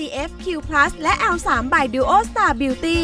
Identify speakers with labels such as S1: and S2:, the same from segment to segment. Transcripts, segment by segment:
S1: CFQ+ และ L3 by Duo Star Beauty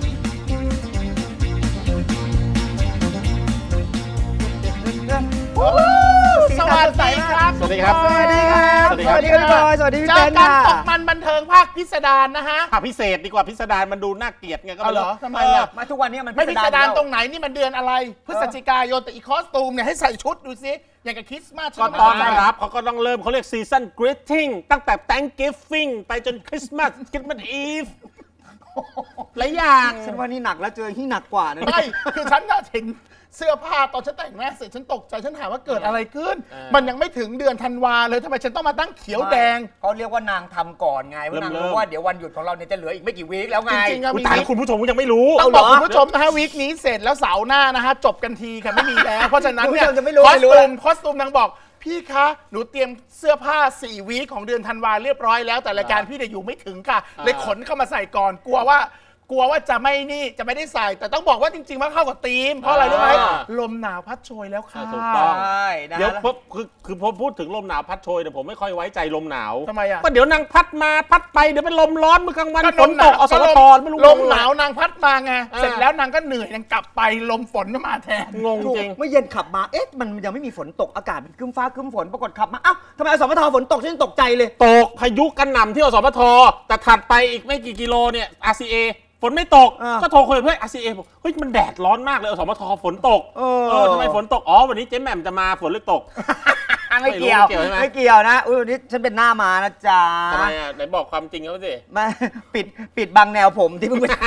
S2: สวัสดีครับ
S3: สวัสดีครับ
S2: สวัสดีครับ
S3: สวัสดีครับ
S2: พี่บอยสวัสดีพี่เต้นค่ะตกมันบันเทิงภาคพิสดารนะฮะ
S3: ภาคพิเศษดีกว่าพิสดารมันดูน่าเกลียดไงก็ไม่รู้
S2: ทำไมอ่ะ
S4: มาทุกวันนี้มัน
S2: ไม่พิสดารตรงไหนนี่มันเดือนอะไรพฤศจิกายนแต่อีคอสตูมเนี่ยให้ใส่ชุดดูสิอย่างกับคริสต์มาส
S3: ก็ต้อนรับเขาก็ต้องเริ่มเขาเรียกซีซั่นกรีตติ้งตั้งแต่ Thanksgiving ไปจนคริสต์มาสอีฟหลายอย่าง
S4: ฉันว่านี่หนักแล้วเจอที่หนักกว่านะ
S2: ไม่คือฉันน่ะเห็นเสื้อผ้าตอนฉันแต่งหน้าเสร็จฉันตกใจฉันถามว่าเกิดอะไรขึ้นมันยังไม่ถึงเดือนธันวาเลยทำไมฉันต้องมาตั้งเขียวแดง
S4: เขาเรียกว่านางทำก่อนไงว่านางรู้ว่าเดี๋ยววันหยุดของเราเนี่ยจะเหลืออีกไม่กี่วีคแล้วไง
S2: จริงๆ
S3: แต่คุณผู้ชมยังไม่รู้
S2: ต้องบอกคุณผู้ชมนะฮะวีคนี้เสร็จแล้วเสาร์หน้านะฮะจบกันทีค่ะไม่มีแล้วเพราะฉะนั้นเนี่ยคอสตูมนางบอกพี่คะหนูเตรียมเสื้อผ้า4วีคของเดือนธันวาเรียบร้อยแล้วแต่รายการพี่เนี่ยอยู่ไม่ถึงค่ะเลยขนเข้ามาใส่ก่อนกลัวว่าจะไม่ได้ใส่แต่ต้องบอกว่าจริงๆว่าเข้ากับธีมเพราะอะไรรู้ไหมลมหนาวพัดโชยแล้วค่ะ
S3: ถูกต้องเดี๋ยวคือพอพูดถึงลมหนาวพัดโชยเนี่ยผมไม่ค่อยไว้ใจลมหนาว
S2: ทำไมอ่ะ
S3: ก็เดี๋ยวนางพัดมาพัดไปเดี๋ยวเป็นลมร้อนเมื่อกลางวันฝนตกอสมทไม่รู้
S2: ลมหนาวนางพัดมาไงเสร็จแล้วนางก็เหนื่อยนางกลับไปลมฝนก็มาแทน
S3: งงจริง
S4: เมื่อเย็นขับมามันยังไม่มีฝนตกอากาศครึ้มฟ้าครึ้มฝนปรากฏขับมาทำไมอสมทฝนตกฉันตกใจเลย
S3: ตกพายุกระหน่ำที่อสมทแต่ถัดไปอีกไม่กี่กิโลเนี่ย RCAฝนไม่ตกก็โทรคุยเพื่อน RCA บอกเฮ้ยมันแดดร้อนมากเลยอสมทฝนตกทำไมฝนตกวันนี้เจ๊แหม่มจะมาฝนหรือตก
S4: ไม่เกี่ยวนะวันนี้ฉันเป็นหน้ามานะจ๊ะ
S3: ทำไมไหนบอกความจริงเขาสิ
S4: มาปิดบังแนวผมที่เพิ่งไป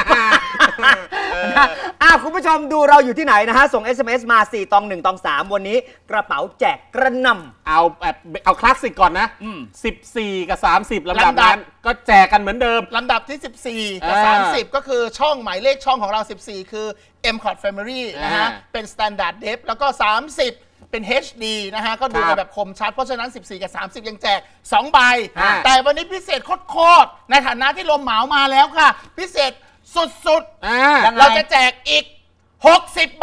S4: คุณผู้ชมดูเราอยู่ที่ไหนนะฮะส่ง SMS มา4 ตอง 1 ตอง 3วันนี้กระเป๋าแจกกระหน่ำ
S3: เอาคลาสสิกก่อนนะ14กับ30ลำดับนั้นก็แจกกันเหมือนเดิม
S2: ลำดับที่14กับ30ก็คือช่องหมายเลขช่องของเรา14คือ MCOT Family นะฮะเป็น Standard Depth แล้วก็30เป็น HD นะฮะก็ดูแบบคมชัดเพราะฉะนั้น14กับ30ยังแจก2ใบแต่วันนี้พิเศษโคตรในฐานะที่ลมเหมามาแล้วค่ะพิเศษสุดๆเราจะแจกอีก60ใบ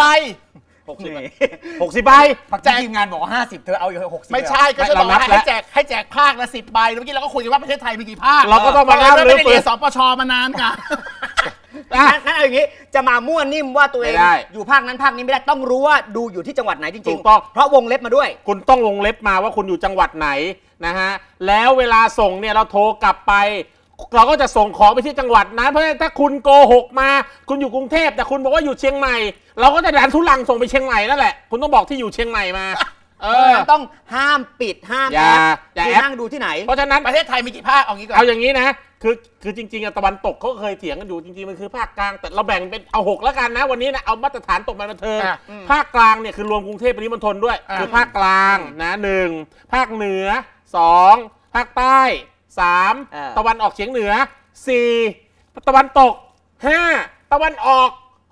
S3: 60ใบ
S4: แจกทีมงานบอกว่า50เธอเอาอยู่60
S2: ไม่ใช่ก็จะบอกว่าให้แจกภาคละ10ใบเมื่อกี้เราก็คุยกันว่าประเทศไทยมีกี่ภาค
S3: เราก็ต้องมานับ
S2: ไม่ได้เรียนสปชมานานค่ะ
S4: นั่นเอาอย่างนี้จะมามั่วนิ่มว่าตัวเองอยู่ภาคนั้นภาคนี้ไม่ได้ต้องรู้ว่าดูอยู่ที่จังหวัดไหนจริงๆเพราะวงเล็บมาด้วย
S3: คุณต้องวงเล็บมาว่าคุณอยู่จังหวัดไหนนะฮะแล้วเวลาส่งเนี่ยเราโทรกลับไปเราก็จะส่งของไปที่จังหวัดนั้นเพราะฉะนั้นถ้าคุณโกหกมาคุณอยู่กรุงเทพแต่คุณบอกว่าอยู่เชียงใหม่เราก็จะดันทุลังส่งไปเชียงใหม่นั่นแหละคุณต้องบอกที่อยู่เชียงใหม่มา
S4: ต้องห้ามปิดห้ามแอปคือนั่งดูที่ไหน
S3: เพราะฉะนั้น
S2: ประเทศไทยมีกี่ภาคเอางี้ก่อน
S3: เอาอย่างนี้นะคือจริงๆตะวันตกเขาเคยเถียงกันอยู่จริงๆมันคือภาคกลางแต่เราแบ่งเป็นเอา6แล้วกันนะวันนี้นะเอามาตรฐานตกมาบันเทิงภาคกลางเนี่ยคือรวมกรุงเทพปริมณฑลด้วยคือภาคกลางนะ1ภาคเหนือ2ภาคใต้3ตะวันออกเฉียงเหนือ4ตะวันตก5ตะวันออก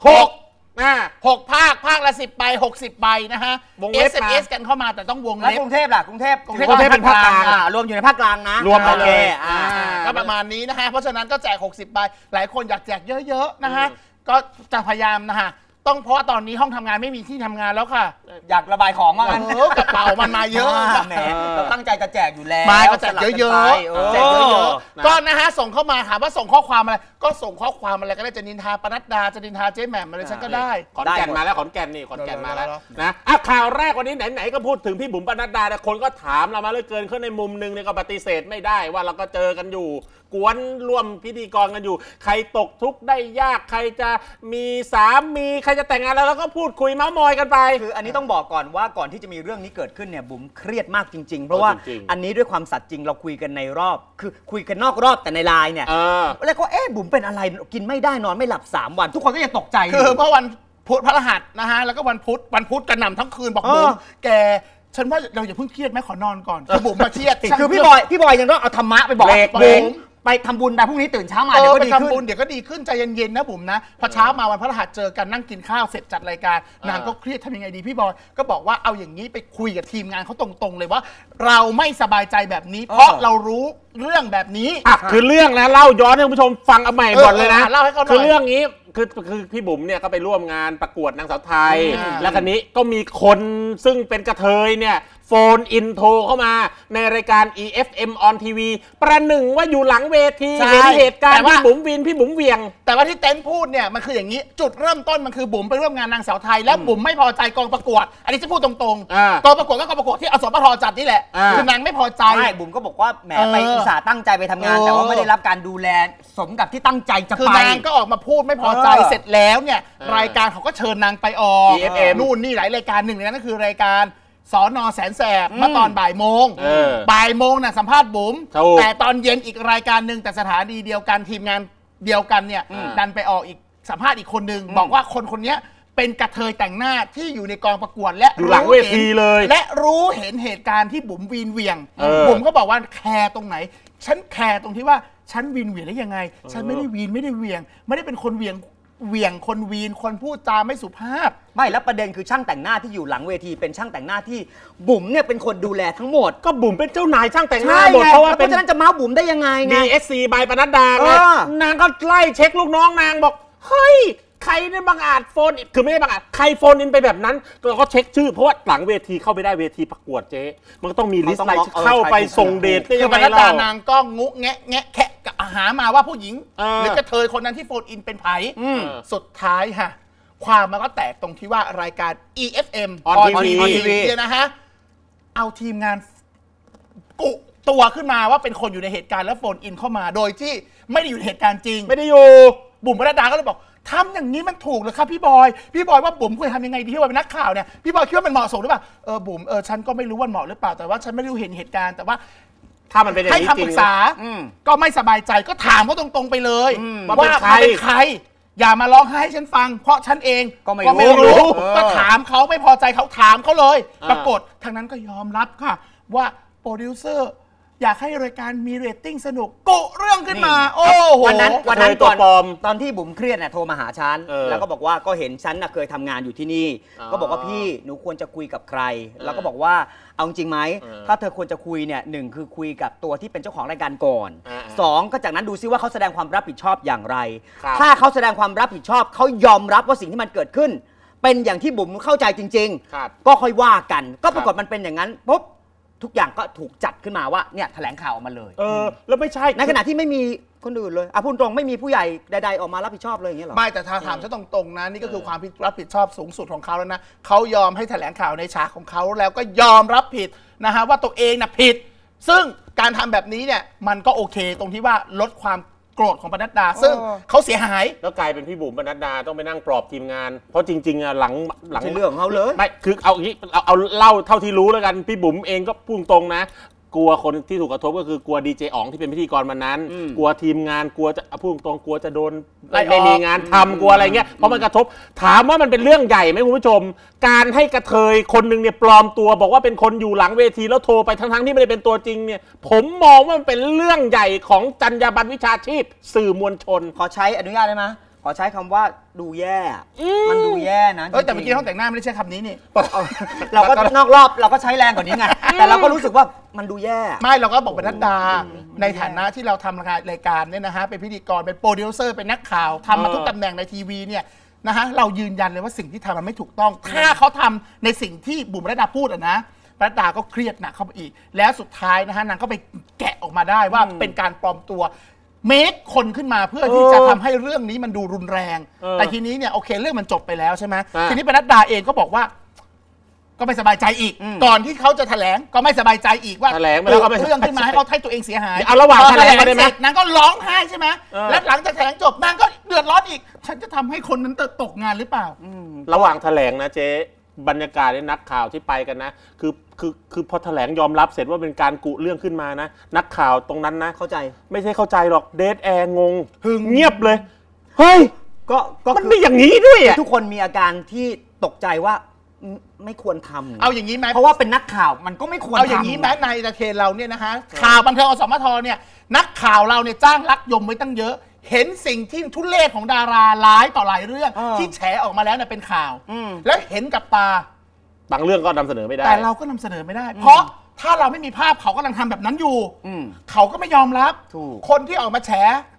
S3: 6
S2: ภาคละ10ใบ60ใบนะฮะ SMS กันเข้ามาแต่ต้องวงเล็บ
S4: กรุงเทพล่ะกรุงเทพ
S3: เป็นภาคกลาง
S4: รวมอยู่ในภาคกลางนะ
S3: รวมไปเลย
S2: ก็ประมาณนี้นะฮะเพราะฉะนั้นก็แจก60ใบหลายคนอยากแจกเยอะๆนะฮะก็จะพยายามนะฮะต้องเพราะตอนนี้ห้องทำงานไม่มีที่ทำงานแล้วค่ะ
S4: อยากระบายของมา
S2: กระเป๋ามันมาเยอะ
S4: แหมเราตั้งใจจะแจกอยู่แล้ว
S2: มาก็แจกเยอะๆก็นะฮะส่งเข้ามาถามว่าส่งข้อความอะไรก็ส่งข้อความอะไรก็ได้จะนินทาปนัดดาจะนินทาเจ๊แหม่มอะไรฉันก็ได้
S3: ขอนแก่นมาแล้วขอนแก่นนี่ขอนแก่นมาแล้วนะข่าวแรกวันนี้ไหนๆก็พูดถึงพี่บุ๋มปนัดดาแต่คนก็ถามเรามาเลยเกินขึ้นในมุมนึงเนี่ยก็ปฏิเสธไม่ได้ว่าเราก็เจอกันอยู่กวนร่วมพิธีกรกันอยู่ใครตกทุกข์ได้ยากใครจะมีสามีใครจะแต่งงานแล้วก็พูดคุยเม้ามอยกันไป
S4: คืออันนี้ต้องบอกก่อนว่าก่อนที่จะมีเรื่องนี้เกิดขึ้นเนี่ยบุ๋มเครียดมากจริงๆเพราะว่าอันนี้ด้วยความสัตย์จริงเราคุยกันในรอบคือคุยกันนอกรอบแต่ในไลน์เนี่ยแล้วก็บุ๋มเป็นอะไรกินไม่ได้นอนไม่หลับ3วันทุกคนก็ยังตกใจ
S2: คือเมื่อวันพุธพฤหัสนะฮะแล้วก็วันพุธกระหน่ำทั้งคืนบอกบุ๋มแกฉันว่าเราอย่าเพิ่งเครียดแม่ขอนอนก่อนคือบุ๋มมาเครียด
S4: คือพี่บอยยังต้องเอาธรรมะไปบอกบุ๋มไปทำบุญไปพรุ่งนี้ตื่นเช้ามา
S2: เดี๋ยวก็ดีขึ้นเดี๋ยวก็ดีขึ้นใจเย็นๆนะบุ๋มนะพอเช้ามาวันพฤหัสเจอกันนั่งกินข้าวเสร็จจัดรายการนางก็เครียดทำยังไงดีพี่บอยก็บอกว่าเอาอย่างนี้ไปคุยกับทีมงานเขาตรงๆเลยว่าเราไม่สบายใจแบบนี้เพราะเรารู้เรื่องแบบนี้
S3: คือเรื่องนะเล่าย้อนให้คุณผู้ชมฟังเอาใหม่ก่อนเลยนะคือเรื่องนี้คือพี่บุ๋มเนี่ยก็ไปร่วมงานประกวดนางสาวไทยแล้วคันนี้ก็มีคนซึ่งเป็นกระเทยเนี่ยโฟนอินโทรเข้ามาในรายการ EFM on TV ประหนึ่งว่าอยู่หลังเวทีเห็นเหตุการณ์พี่บุ๋มวินพี่บุ๋มเวียง
S2: แต่ว่าที่เต้นพูดเนี่ยมันคืออย่างนี้จุดเริ่มต้นมันคือบุ๋มไปร่วมงานนางสาวไทยแล้วบุ๋มไม่พอใจกองประกวดอันนี้จะพูดตรงๆกองประกวดก็กองประกวดที่อสมทจัดนี่แหละคือนางไม่พอใจ
S4: บุ๋มก็บอกว่าแหมไปอุตส่าห์ตั้งใจไปทำงานแต่ว่าไม่ได้รับการดูแลสมกับที่ตั้งใจจะไป
S2: คือนางก็ออกมาพูดไม่พอใจเสร็จแล้วเนี่ยรายการเขาก็เชิญนางไปออก นู่นนี่หลายรายการหนึ่งในนั้นก็คือรายการสน.แสนแสบเมื่อตอนบ่ายโมงน่ะสัมภาษณ์บุ๋มแต่ตอนเย็นอีกรายการหนึ่งแต่สถานีเดียวกันทีมงานเดียวกันเนี่ยดันไปออกอีกสัมภาษณ์อีกคนนึงบอกว่าคนนี้เป็นกระเทยแต่งหน้าที่อยู่ในกองประกวดและ
S3: อยู่หลังเวทีเลย
S2: และรู้เห็นเหตุการณ์ที่บุ๋มวีนเวียงบุ๋มก็บอกว่าแคร์ตรงไหนฉันแคร์ตรงที่ว่าฉันวีนเวียงได้ยังไงฉันไม่ได้วีนไม่ได้เวียงไม่ได้เป็นคนเวียงคนวีนคนพูดจาไม่สุภาพ
S4: ไม่แล้วประเด็นคือช่างแต่งหน้าที่อยู่หลังเวทีเป็นช่างแต่งหน้าที่บุ๋มเนี่ยเป็นคนดูแลทั้งหมด
S3: ก็บุ๋มเป็นเจ้านายช่างแต่งหน้าหมดเพราะว่า
S4: เพราะฉะนั้นจะเมาบุ๋มได้ยังไงไง
S3: DSC ใบปนัดดาไงนางก็ไล่เช็คลูกน้องนางบอกเฮ้ยใครเนี่ยบังอาจโฟนคือไม่ได้บังอาจใครโฟนอินไปแบบนั้นเราก็เช็คชื่อเพราะว่าหลังเวทีเข้าไปได้เวทีประกวดเจ๊มันก็ต้องมีลิสต์รายชื่อเข้าไปส่งเดทได้ยังไงเล่าน
S2: างก็งุแงะแคะหามาว่าผู้หญิงหรือกระเทยคนนั้นที่โฟนอินเป็นไผ่สุดท้ายฮะความมันก็แตกตรงที่ว่ารายการ EFM on TV เนี่ยนะฮะเอาทีมงานกุตัวขึ้นมาว่าเป็นคนอยู่ในเหตุการณ์แล้วโฟนอินเข้ามาโดยที่ไม่ได้อยู่ในเหตุการณ์จริง
S3: ไม่ได้อยู่
S2: บุ๋มปนัดดาก็เลยบอกทำอย่างนี้มันถูกหรือครับพี่บอยว่าบุ๋มควรทำยังไงดีที่ว่าเป็นนักข่าวเนี่ยพี่บอยคิดว่ามันเหมาะสมหรือเปล่าบุ๋มฉันก็ไม่รู้ว่าเหมาะหรือเปล่าแต่ว่าฉันไม่ได้เห็นเหตุการณ์แต่ว่า
S3: ถ้ามันเป็นอย่างนี้จริงให้
S2: คำปรึกษาก็ไม่สบายใจก็ถามเขาตรงๆไปเลยว่าเป็นใครอย่ามาร้องไห้ให้ฉันฟังเพราะฉันเองก็ไม่รู้ก็ถามเขาไม่พอใจเขาถามเขาเลยปรากฏทางนั้นก็ยอมรับค่ะว่าโปรดิวเซอร์อยากให้รายการมีเรตติ้งสนุกกุเรื่องขึ้นมาโอ้โห
S4: วันนั้นตอนที่บุ๋มเครียดเนี่ยโทรมาหาฉันแล้วก็บอกว่าก็เห็นฉันเคยทำงานอยู่ที่นี่ก็บอกว่าพี่หนูควรจะคุยกับใครแล้วก็บอกว่าเอาจริงไหมถ้าเธอควรจะคุยเนี่ยหนึ่งคือคุยกับตัวที่เป็นเจ้าของรายการก่อน2ก็จากนั้นดูซิว่าเขาแสดงความรับผิดชอบอย่างไรถ้าเขาแสดงความรับผิดชอบเขายอมรับว่าสิ่งที่มันเกิดขึ้นเป็นอย่างที่บุ๋มเข้าใจจริงๆก็ค่อยว่ากันก็ปรากฏมันเป็นอย่างนั้นปุ๊บทุกอย่างก็ถูกจัดขึ้นมาว่าเนี่ยแถลงข่าวออกมาเลย
S3: แล้วไม่ใช่
S4: ในขณะที่ไม่มีคนอื่นเลยพูดตรงไม่มีผู้ใหญ่ใดๆออกมารับผิดชอบเลยอย่างเงี้ยหรอ
S2: ไม่แต่ถ้าถามฉันตรงๆนะนี่ก็คือความรับผิดชอบสูงสุดของเขาแล้วนะเขายอมให้แถลงข่าวในฉากของเขาแล้วก็ยอมรับผิดนะฮะว่าตัวเองน่ะผิดซึ่งการทำแบบนี้เนี่ยมันก็โอเคตรงที่ว่าลดความโกรธของปนัดดาซึ่งเขาเสียหาย
S3: แล้วกลายเป็นพี่บุ๋มปนัดดาต้องไปนั่งปลอบทีมงานเพราะจริงๆหลัง
S4: เรื่องของเขาเลย
S3: ไม่คือเอาอย่างนี้เอาเล่าเท่าที่รู้แล้วกันพี่บุ๋มเองก็พูดตรงนะกลัวคนที่ถูกกระทบก็คือกลัวดีเจอ๋องที่เป็นพิธีกรมานั้นกลัวทีมงานกลัวจะพูดตรงกลัวจะโดนไม่มีงานทำกลัวอะไรเงี้ยเพราะมันกระทบถามว่ามันเป็นเรื่องใหญ่ไหมคุณผู้ชมการให้กระเทยคนหนึ่งเนี่ยปลอมตัวบอกว่าเป็นคนอยู่หลังเวทีแล้วโทรไปทั้งที่ไม่ได้เป็นตัวจริงเนี่ยผมมองว่ามันเป็นเรื่องใหญ่ของจรรยาบรรณวิชาชีพสื่อมวลชน
S4: ขอใช้อนุญาตได้ไหมขอใช้คำว่าดูแย่มันดูแย่นะ
S2: แต่เมื่อกี้ห้องแต่งหน้าไม่ได้ใช้คำนี้นี่
S4: เราก็นอกรอบเราก็ใช้แรงกว่านี้ไงแต่เราก็รู้สึกว่ามันดูแย่
S2: ไม่เราก็บอกเป็นนัดดาในฐานะที่เราทำรายการเนี่ยนะฮะเป็นพิธีกรเป็นโปรดิวเซอร์เป็นนักข่าวทำมาทุกตำแหน่งในทีวีเนี่ยนะฮะเรายืนยันเลยว่าสิ่งที่ทำมันไม่ถูกต้องถ้าเขาทำในสิ่งที่บุ๋มนัดดาพูดนะนัดดาก็เครียดหนักเข้าไปอีกแล้วสุดท้ายนะฮะนางก็ไปแกะออกมาได้ว่าเป็นการปลอมตัวเมคคนขึ้นมาเพื่อที่จะทำให้เรื่องนี้มันดูรุนแรงแต่ทีนี้เนี่ยโอเคเรื่องมันจบไปแล้วใช่ไหมทีนี้ปนัดดาเองก็บอกว่าก็ไม่สบายใจอีกก่อนที่เขาจะแถลงก็ไม่สบายใจอีกว่า
S3: แถลงแล้วก็
S2: เรื่องขึ้นมาให้เขาให้ตัวเองเสียหาย
S3: เอาระหว่างแถลงได้ไหม
S2: นางก็ร้องไห้ใช่ไหมและหลังจากแถลงจบนางก็เดือดร้อนอีกฉันจะทำให้คนนั้นตกงานหรือเปล่า
S3: ระหว่างแถลงนะเจ๊บรรยากาศในนักข่าวที่ไปกันนะคือพอแถลงยอมรับเสร็จว่าเป็นการกุเรื่องขึ้นมานะนักข่าวตรงนั้นนะ
S4: เข้าใจ
S3: ไม่ใช่เข้าใจหรอกเดทแอร์งงเงียบเลยเฮ้ยก็มันไม่อย่างนี้ด้วย
S4: ทุกคนมีอาการที่ตกใจว่าไม่ควรทำ
S2: เอาอย่างนี้ไหม
S4: เพราะว่าเป็นนักข่าวมันก็ไม่ควรทำ
S2: เอาอย่างนี้ไหมในประเทศเราเนี่ยนะคะข่าวบันเทิงอสมทเนี่ยนักข่าวเราเนี่ยจ้างรักยมไว้ตั้งเยอะเห็นสิ่งที่ทุเลศของดาราหลายต่อหลายเรื่องที่แฉออกมาแล้วเนี่ยเป็นข่าวแล้วเห็นกับตา
S3: บางเรื่องก็นำเสนอไม่ได้
S2: แต่เราก็นำเสนอไม่ได้เพราะถ้าเราไม่มีภาพเขากำลังทำแบบนั้นอยู่เขาก็ไม่ยอมรับคนที่ออกมาแฉ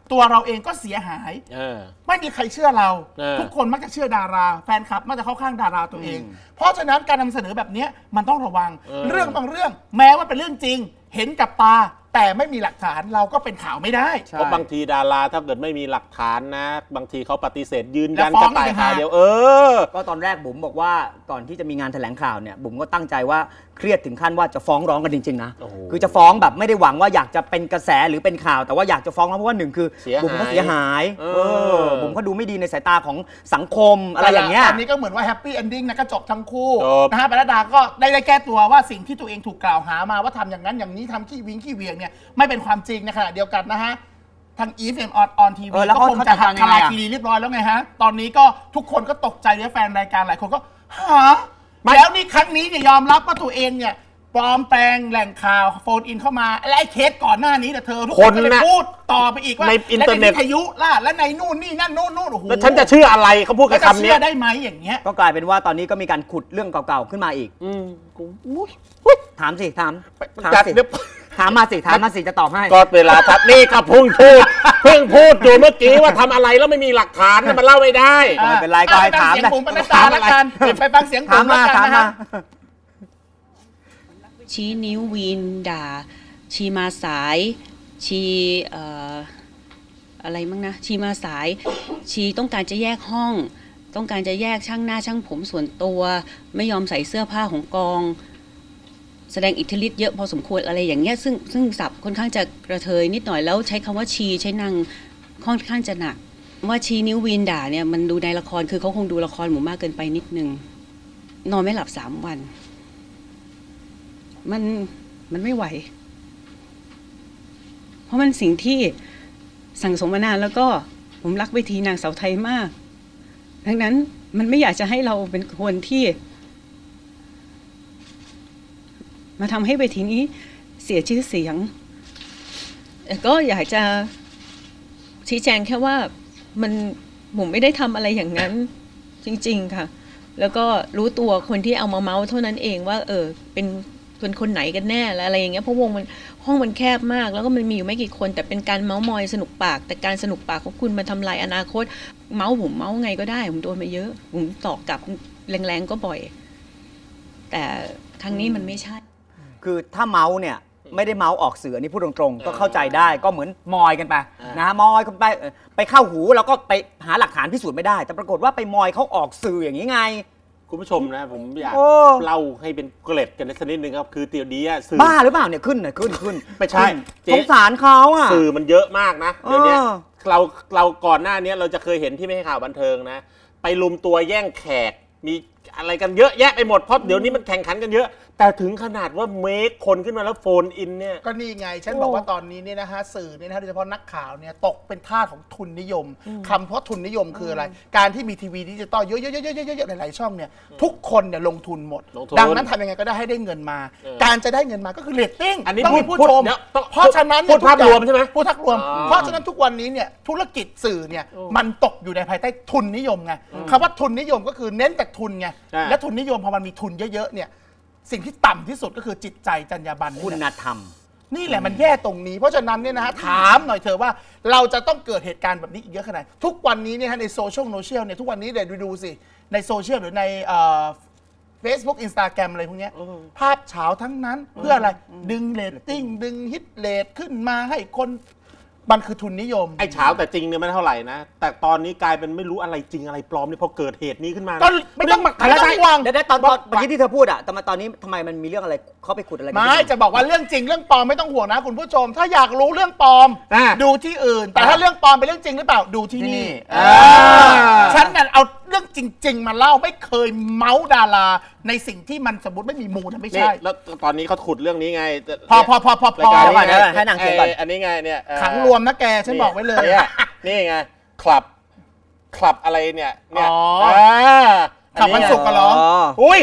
S2: ตัวเราเองก็เสียหายไม่มีใครเชื่อเราทุกคนมักจะเชื่อดาราแฟนคลับมักจะเข้าข้างดาราตัวเองเพราะฉะนั้นการนำเสนอแบบนี้มันต้องระวังเรื่องบางเรื่องแม้ว่าเป็นเรื่องจริงเห็นกับตาแต่ไม่มีหลักฐานเราก็เป็นข่าวไม่ได้
S3: เพราะบางทีดาราถ้าเกิดไม่มีหลักฐานนะบางทีเขาปฏิเสธยืนยันกระต่ายขาเดียว
S4: ก็ตอนแรกบุ๋มบอกว่าก่อนที่จะมีงานแถลงข่าวเนี่ยบุ๋มก็ตั้งใจว่าเครียดถึงขั้นว่าจะฟ้องร้องกันจริงๆนะคือจะฟ้องแบบไม่ได้หวังว่าอยากจะเป็นกระแสหรือเป็นข่าวแต่ว่าอยากจะฟ้องเพราะว่าหนึ่งคือบุ๋มก็เสียหายบุ๋มก็ดูไม่ดีในสายตาของสังคมอะไรอย่างเงี้ย
S2: อันนี้ก็เหมือนว่าแฮปปี้เอนดิ้งนะก็จบทั้งคู่นะฮะปนัดดาก็ได้แก้ตัวว่าสิ่งที่ตัวเองถูกกล่าวหามาว่าทำอย่างนั้นอย่างนี้ทำขี้วิงขี้เวียงเนี่ยไม่เป็นความจริงในขณะเดียวกันนะฮะทาง EFM on TV ก็คงจะหักทลายคีรีเรียบร้อยแล้วไงฮะตอนนี้ก็ทุกคนก็ตกใจและแฟนรายการหลายคนก็หาแล้วนี่ครั้งนี้เนี่ยยอมรับว่าตัวเองเนี่ยปลอมแปลงแหล่งข่าวโฟนอินเข้ามาและไอ้เคสก่อนหน้านี้แต่เธอทุกคนก็เลยพูดต่อไปอีกว่า
S3: ในอินเทอร์เน็ต
S2: วิทยุล่ะและในนู่นนี่นั่นนู่นโอ้โห
S3: แล้วฉันจะเชื่ออะไรเขาพูดกับคำนี้
S2: เชื่อได้ไหมอย่างเงี้ย
S4: ก็กลายเป็นว่าตอนนี้ก็มีการขุดเรื่องเก่าๆขึ้นมาอีกถามสิถามมาสิจะตอบให้
S3: ก็เวลาทัดนี่ก็เพิ่งพูดอยู่เมื่อกี้ว่าทำอะไรแล้วไม่มีหลักฐานมันเล่าไม่ได้
S4: ไม่เป็นไรก็ให้ถาม
S2: นะถามอะไรไปฟังเสียงผมแล้วกันนะ
S5: ชี้นิ้ววีนด่าชีมาสายชีอะไรมั่งนะชีมาสายชีต้องการจะแยกห้องต้องการจะแยกช่างหน้าช่างผมส่วนตัวไม่ยอมใส่เสื้อผ้าของกองแสดงอิทธิฤทธิ์เยอะพอสมควรอะไรอย่างเงี้ยซึ่งศัพท์ค่อนข้างจะกระเทยนิดหน่อยแล้วใช้คำว่าชีใช้นางค่อนข้างจะหนักว่าชีนิ้ววีนด่าเนี่ยมันดูในละครคือเขาคงดูละครหมู่มากเกินไปนิดนึงนอนไม่หลับ3 วันมันไม่ไหวเพราะมันสิ่งที่สั่งสมมานานแล้วก็ผมรักเวทีนางสาวไทยมากดังนั้นมันไม่อยากจะให้เราเป็นคนที่มาทำให้เวทีนี้เสียชื่อเสียงแต่ก็อยากจะชี้แจงแค่ว่าผมไม่ได้ทำอะไรอย่างนั้นจริงๆค่ะแล้วก็รู้ตัวคนที่เอามาเมาส์เท่านั้นเองว่าเป็นคนไหนกันแน่และอะไรอย่างเงี้ยเพราะห้องมันแคบมากแล้วก็มันมีอยู่ไม่กี่คนแต่เป็นการเมาส์มอยสนุกปากแต่การสนุกปากของคุณมาทำลายอนาคตเมาส์ผมเมาส์ไงก็ได้ผมโดนมาเยอะผมตอบกลับแรงๆก็บ่อยแต่ครั้งนี้มันไม่ใช่
S4: คือถ้าเมาส์เนี่ยไม่ได้เมาส์ออกสื่อนี่พูดตรงๆก็เข้าใจได้ก็เหมือนมอยกันไปนะมอยกันไปเข้าหูแล้วก็ไปหาหลักฐานพิสูจน์ไม่ได้แต่ปรากฏว่าไปมอยเขาออกสื่ออย่างนี้ไง
S3: คุณผู้ชมนะผมอยากเล่าให้เป็นเกล็ดกันสักนิดนึงครับคือเดี๋ยวนี้สื่อ
S4: บ้าหรือเปล่าเนี่ยขึ้น
S3: ไม่ใช่
S4: สงสารเขาอ่ะ
S3: สื่อมันเยอะมากนะเดี๋ยวนี้เราก่อนหน้านี้เราจะเคยเห็นที่ไม่ให้ข่าวบันเทิงนะไปลุมตัวแย่งแขกมีอะไรกันเยอะแยะไปหมดเพราะเดี๋ยวนี้มันแข่งขันกันเยอะแต่ถึงขนาดว่าเมคคนขึ้นมาแล้วโฟนอินเนี่ย
S2: ก็นี่ไงฉันบอกว่าตอนนี้เนี่ยนะฮะสื่อเนี่ยนะโดยเฉพาะนักข่าวเนี่ยตกเป็นทาสของทุนนิยมคำเพราะทุนนิยมคืออะไรการที่มีทีวีดิจิตอลเยอะๆหลายๆช่องเนี่ยทุกคนเนี่ยลงทุนหมดดังนั้นทำยังไงก็ได้ให้ได้เงินมาการจะได้เงินมาก็คือเรตติ้งต้องมีผู้ชมเพราะฉะนั้น
S3: พูดภาพรวมใช่ไหม
S2: พูดภาพรวมเพราะฉะนั้นทุกวันนี้เนี่ยธุรกิจสื่อเนี่ยมันตกอยู่ในภายใต้ทุนนิยมไงคำว่าทุนนิยมก็คือเน้นแต่ทุนไงและทุนนิยมพอมันมีทุนเยอะๆเนี่ยสิ่งที่ต่ำที่สุดก็คือจิตใจจรรยาบรรณ
S4: คุณธรรม
S2: นี่แหละมันแย่ตรงนี้เพราะฉะนั้นเนี่ยนะฮะถามหน่อยเถอะว่าเราจะต้องเกิดเหตุการณ์แบบนี้อีกเยอะขนาดไหนทุกวันนี้เนี่ยในโซเชียลเนี่ยทุกวันนี้เดี๋ยวดูสิในโซเชียลหรือในFacebook Instagram อะไรพวกนี้ภาพเฉาทั้งนั้นเพื่ออะไรดึงเรตติ้งดึงฮิตเรทขึ้นมาให้คนมันคือทุนนิยม
S3: ไอ้เช้าแต่จริงเนี่ยไม่เท่าไหร่นะแต่ตอนนี้กลายเป็นไม่รู้อะไรจริงอะไรปลอมเนี่ยพอเกิดเหตุนี้ขึ้นมา
S2: ก็ไม่ต้องห่วง
S4: เดี๋ยวตอนเมื่อกี้ที่เธอพูดอะแต่มาตอนนี้ทำไมมันมีเรื่องอะไรเขาไปขุดอะไร
S2: ไม่จะบอกว่าเรื่องจริงเรื่องปลอมไม่ต้องห่วงนะคุณผู้ชมถ้าอยากรู้เรื่องปลอมดูที่อื่นแต่ถ้าเรื่องปลอมเป็นเรื่องจริงหรือเปล่าดูที่นี่ฉันเนี่ยเอาเรื่องจริงๆมาเล่าไม่เคยเมาส์ดาราในสิ่งที่มันสมมติไม่มีมูลนะไม่ใช่
S3: แล้วตอนนี้เขาขุดเรื่องนี้ไง
S2: พอ
S4: ให้นางเขียนก่อน
S3: อันนี้ไงเนี่ย
S2: ขังรวมนะแกฉันบอกไว้เลย
S3: นี่ไงคลับอะไรเนี่ย
S2: ขับวันศุกร์กันเหรอ
S3: อุ้ย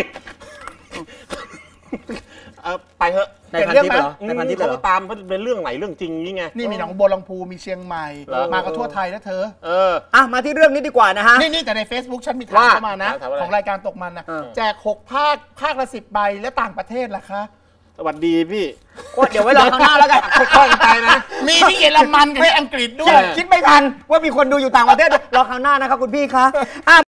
S3: ไปเถอะ
S4: ในพันทิปเหรอในพันทิปเหรอ
S3: เขาตามเป็นเรื่องไหนเรื่องจริงนี่ไง
S2: นี่มีหนองบัวลำพูมีเชียงใหม่มากันทั่วไทยนะเธอ
S4: มาที่เรื่องนี้ดีกว่านะฮะ
S2: นี่แต่ใน Facebook ฉันมีถามเข้ามานะของรายการตกมันนะแจก6 ภาคละ10 ใบแล้วต่างประเทศล่ะคะ
S3: วัสดีพี่
S4: เดี๋ยวไว้รอคราวหน้าแล้วกัน
S3: ค่อยๆไปนะ
S2: มีที่เยอรมันกับที่อังกฤษด้วย
S4: คิดไม่ทันว่ามีคนดูอยู่ต่างประเทศรอคราวหน้านะครับคุณพี่คะ